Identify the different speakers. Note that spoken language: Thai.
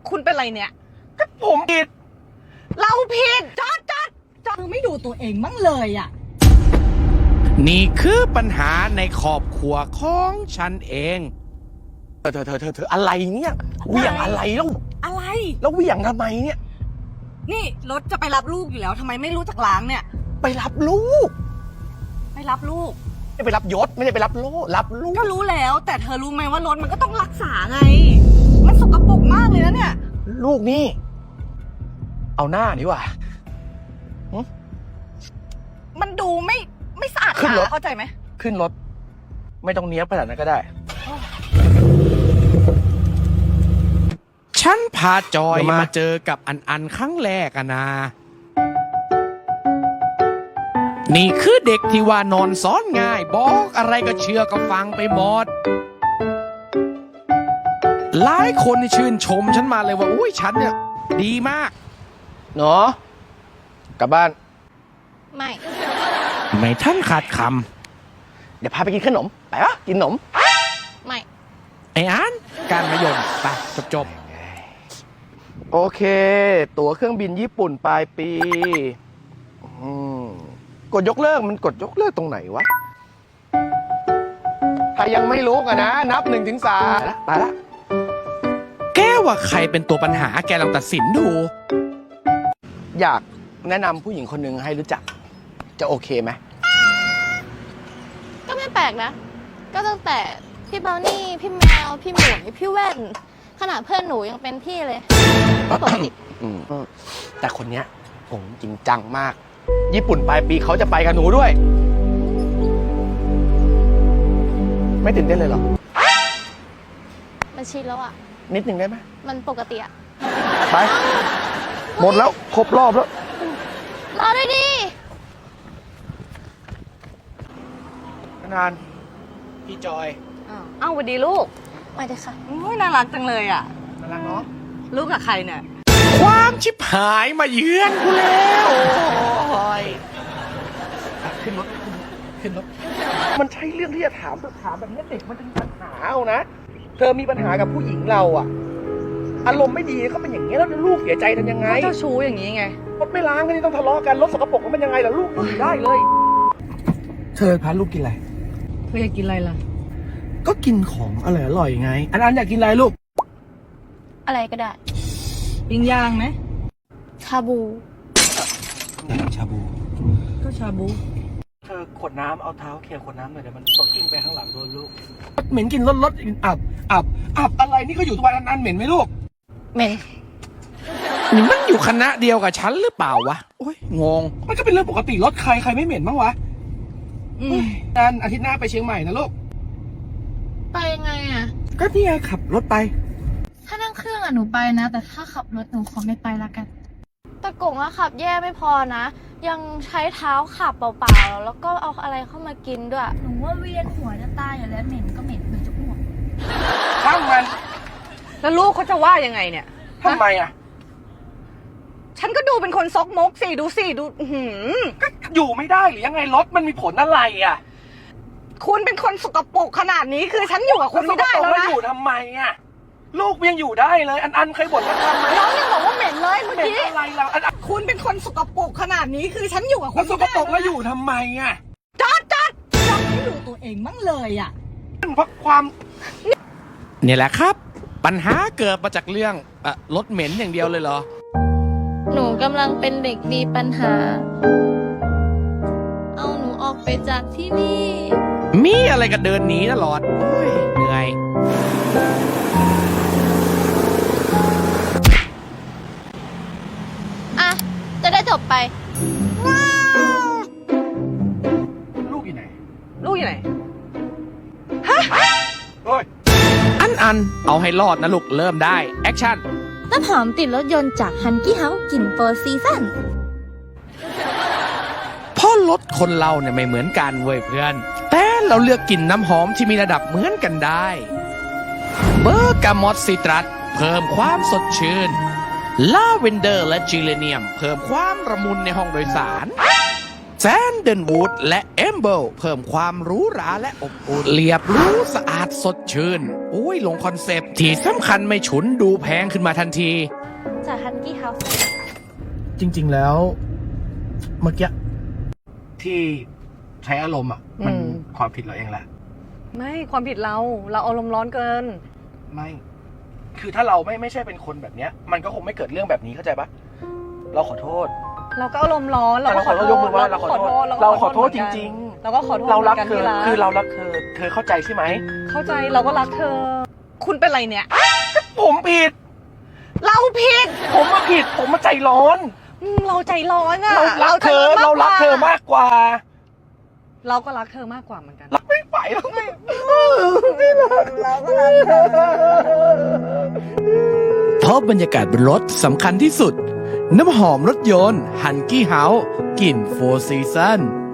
Speaker 1: คุณเป็นไรเนี่ย
Speaker 2: ผมผิด
Speaker 1: เราผิดจอดไม่ดูตัวเองมั่งเลยอ่ะ
Speaker 3: นี่คือปัญหาในครอบครัวของฉันเอง
Speaker 2: เธออะไรเนี่ยเหวี่ยงอะไรแล้ว
Speaker 1: อะไร
Speaker 2: แล้วเหวี่ยงทำไมเนี่ย
Speaker 1: นี่รถจะไปรับลูกอยู่แล้วทำไมไม่รู้จักล้างเนี่ย
Speaker 2: ไปรับลูก
Speaker 1: ไปรับลูก
Speaker 2: ไม่ไปรับยศไม่ได้ไปรับรับลูก
Speaker 1: ก็รู้แล้วแต่เธอรู้ไหมว่ารถมันก็ต้องรักษาไงมันสกปรกมากเลยนะเนี่ย
Speaker 2: ลูกนี่เอาหน้าดีกว่า
Speaker 1: มันดูไม่สะอาด
Speaker 2: ขึ้นรถ
Speaker 1: เข้าใจไหม
Speaker 2: ขึ้นรถไม่ต้องเนี้ยบขนาดนั้นก็ได้
Speaker 3: ฉันพาจอยมาเจอกับอันครั้งแรกอะนะนี่คือเด็กที่ว่านอนซ้อนง่ายบอกอะไรก็เชื่อก็ฟังไปหมดหลายคนชื่นชมฉันมาเลยว่าอุ้ยฉันเนี่ยดีมาก
Speaker 2: เนาะกลับบ้าน
Speaker 3: ไม่ท่านขาดค
Speaker 2: ำเดี๋ยวพาไปกินขนมไปวะกินขนม
Speaker 1: ไม่
Speaker 3: ไอ้อันการมายมไปจบ
Speaker 2: โอเคตั๋วเครื่องบินญี่ปุ่นปลายปีกดยกเลิกมันกดยกเลิกตรงไหนวะถ้ายังไม่รู้กันนะนับ1 ถึง 3ไปละ
Speaker 3: แกว่าใครเป็นตัวปัญหาแกลองตัดสินดู
Speaker 2: อยากแนะนำผู้หญิงคนหนึ่งให้รู้จักจะโอเคไหม
Speaker 4: ก็ไม่แปลกนะก็ตั้งแต่พี่เบลนี่พี่แมวพี่หมวยพี่แว่นขนาดเพื่อนหนูยังเป็นพี่เลยปกติ
Speaker 2: แต่คนเนี้ยผมจริงจังมากญี่ปุ่นปลายปีเขาจะไปกับหนูด้วยไม่ตื่นเต้นเลยเหรอ
Speaker 4: มันชินแล้วอ่ะ
Speaker 2: นิดหนึ่งได้ไหม
Speaker 4: มันปกติอ่ะ
Speaker 2: ไปหมดแล้วครบรอบแล้ว
Speaker 4: รอด้วยดิ
Speaker 2: นานพี่จอย
Speaker 1: เอ้าสวัสดีลูก
Speaker 4: มาเลยค่ะ
Speaker 1: น่ารักจังเลยอ่ะ
Speaker 2: น่ารักเนาะ
Speaker 1: ลูกกับใครเนี่ย
Speaker 3: ความชิบหายมาเยือนกูแล้ว
Speaker 2: ขึ้นรถมันใช่เรื่องที่จะถามแบบนี้เด็กมันจะมีปัญหาเอานะเธอมีปัญหากับผู้หญิงเราอะอารมณ์ไม่ดีก็เป็นอย่างนี้แล้วลูกเสียใจทำยังไง
Speaker 1: เจ้าชู้อย่างนี้ไง
Speaker 2: รถไม่ล้างกันนี่ต้องทะเลาะกันรถสกปรกมันเป็นยังไงล่ะลูกอยู่ได้เลยเธอพาลูกกินอะไร
Speaker 1: เธออยากกินอะไรล่ะ
Speaker 2: ก็กินของอร่อยไงอันอยากกินอะไรลูก
Speaker 4: อะไรก็ได้
Speaker 1: ปิ้งย่างไหม
Speaker 4: ชาบู
Speaker 2: ชาบู
Speaker 1: ก็ชาบู
Speaker 2: เธอขวดน้ำเอาเท้าเขี่ยขวดน้ำหน่อยเดี๋ยวมันตกกิ้งไปข้างหลังโดนลูกเหม็นกินรถอับอะไรนี่ก็อยู่ทุกวันอันเหม็นไหมลูก
Speaker 4: เหม็น
Speaker 3: นี่มันอยู่คณะเดียวกับฉันหรือเปล่าวะโอ้ยงง
Speaker 2: มันก็เป็นเรื่องปกติรถใครไม่เหม็นบ้างวะนันอาทิตย์หน้าไปเชียงใหม่นะลูก
Speaker 4: ไปยังไงอ่ะ
Speaker 2: ก็นี่ไงขับรถไป
Speaker 4: ถ้านั่งเครื่องอ่ะหนูไปนะแต่ถ้าขับรถหนูขอไม่ไปละกันตะกงอะขับแย่ไม่พอนะยังใช้เท้าขับเปล่าๆแล้วก็เอาอะไรเข้ามากินด้วยหนูว่าเวียนหัวจะตายอยู่แล้วเหม็นก็เหม็นจะอ้วก
Speaker 2: ช่างมัน
Speaker 1: แล้วลูกเขาจะว่ายังไงเนี่ย
Speaker 2: ทำไมอ่ะ
Speaker 1: ฉันก็ดูเป็นคนซกมกสิดู
Speaker 2: ก็อยู่ไม่ได้หรือยังไงรถมันมีผลอะไรอ่ะ
Speaker 1: คุณเป็นคนสกปรกขนาดนี้คือฉันอยู่กับคุณไม่ได้แล้วนะ
Speaker 2: อยู่ทำไมอ่ะลูกยังอยู่ได้เลยอันเคยบ่นว่าทำไม
Speaker 1: น้องยังบอกว่าเหม็นเลยเมื่อกี้
Speaker 2: อะไรเรา
Speaker 1: คุณเป็นคนสกปรกขนาดนี้คือฉันอยู่กับคุณ
Speaker 2: สกปรกแล้วอยู่ทำไมอ่ะ
Speaker 1: จอดไม่ดูตัวเองมั่งเลยอ่ะ
Speaker 2: เพราะความ
Speaker 3: เนี่ยแหละครับปัญหาเกิดมาจากเรื่องรถเหม็นอย่างเดียวเลยเหรอ
Speaker 4: หนูกำลังเป็นเด็กมีปัญหาเอาหนูออกไปจากที่นี่
Speaker 3: มีอะไรก็เดินหนีตลอดโอ้ยเหนื่อย
Speaker 4: อ่ะจะได้จบไป
Speaker 2: ลูกอยู่ไหน
Speaker 1: ฮะ
Speaker 2: เฮ้ย
Speaker 3: อันเอาให้รอดนะลูกเริ่มได้แอคชั่น
Speaker 4: น้ำหอมติดรถยนต์จากฮันกี้เฮาส์กลิ่นโฟร์ซีซั่น
Speaker 3: เพราะรถคนเราเนี่ยไม่เหมือนกันเว้ยเพื่อนแต่เราเลือกกลิ่นน้ำหอมที่มีระดับเหมือนกันได้เบอร์กามอตซิตรัสเพิ่มความสดชื่นลาเวนเดอร์และจิเลเนียมเพิ่มความระมุนในห้องโดยสารสแซนเดนวูดและเอมเบิลเพิ่มความหรูหราและอบอุ่นเรียบหรู้สะอาดสดชื่นอุ้ยลงคอนเซปต์ที่สำคัญไม่ฉุนดูแพงขึ้นมาทันที
Speaker 4: จากฮันกี้เฮาส์
Speaker 2: จริง ๆ แล้ว เมื่อกี้ที่ใช้อารมณ์อ่ะ มันความผิดเราเองแหละ
Speaker 1: ไม่ความผิดเราอารมณ์ร้อนเกิน
Speaker 2: ไม่ คือถ้าเราไม่ใช่เป็นคนแบบเนี้ย มันก็คงไม่เกิดเรื่องแบบนี้เข้าใจปะเราขอโทษ
Speaker 1: เราก็อารมณ์ร้อนเราก็ขอโทษ
Speaker 2: ยกมือว่าเราขอโทษเราขอโทษจริงๆ
Speaker 1: เราก็ขอโทษ
Speaker 2: เรารัก
Speaker 1: หมืนน
Speaker 2: เธอ
Speaker 1: ที่
Speaker 2: คือเรารักเธอ เธอเข้าใจใช่ไหม
Speaker 1: เข้าใจเราก็รักเธอ คุณเป็นไรเนี่ย
Speaker 2: ผมผิด
Speaker 1: เราผิด
Speaker 2: ผมมาผิด ผมมาใจร้อน
Speaker 1: เราใจร้อนอะ
Speaker 2: เรารักเธอ เรารักเธอมากกว่า
Speaker 1: เราก็รักเธอมากกว่าเหมือนกัน
Speaker 2: รักไม่ไหวแล้วไม่
Speaker 1: เราก็รักเธอ
Speaker 3: เพราะบรรยากาศบนรถสำคัญที่สุด น้ำหอมรถยนต์ฮันกี้เฮาส์กลิ่นโฟร์ซีซัน